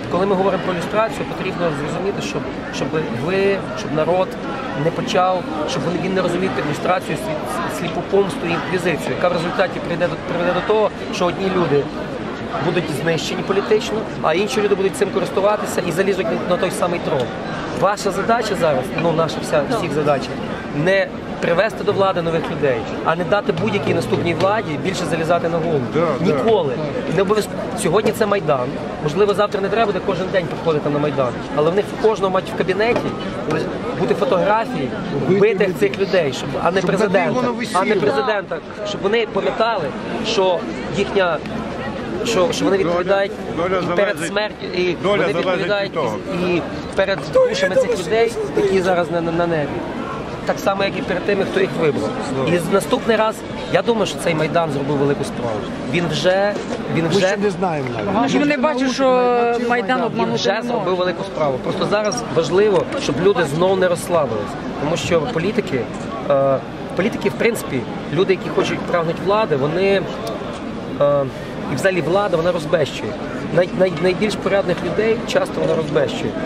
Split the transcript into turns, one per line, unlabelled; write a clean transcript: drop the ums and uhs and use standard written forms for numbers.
коли ми говоримо про ілюстрацію, потрібно зрозуміти, щоб народ не почав, щоб він не розумів ілюстрацію сліпу помсту і інквізицію, яка в результаті приведе до того, що одні люди будуть знищені політично, а інші люди будуть цим користуватися і залізуть на той самий трон. Ваша задача зараз, наша всіх задача, не привести до влади нових людей, а не дати будь-якій наступній владі більше залізати на голову. Ніколи. Не обов'язково. Сьогодні це Майдан. Можливо, завтра не треба буде кожен день приходити на Майдан. Але в них у кожного мають в кабінеті бути фотографії вбитих цих людей, а не президента. Щоб вони пам'ятали, що їхня що вони відповідають і перед смертю, і вони відповідають і перед душами цих людей, які зараз на небі. Так само, як і перед тими, хто їх вибрав. І наступний раз, я думаю, що цей Майдан зробив велику справу. Він вже
не знаємо навіть.
Вони бачать, що Майдан обманути
вже зробив велику справу. Просто зараз важливо, щоб люди знову не розслабились. Тому що політики, в принципі, люди, які хочуть прагнуть влади, вони, і взагалі влада, вона розбещує. Найбільш порядних людей часто вона розбещує.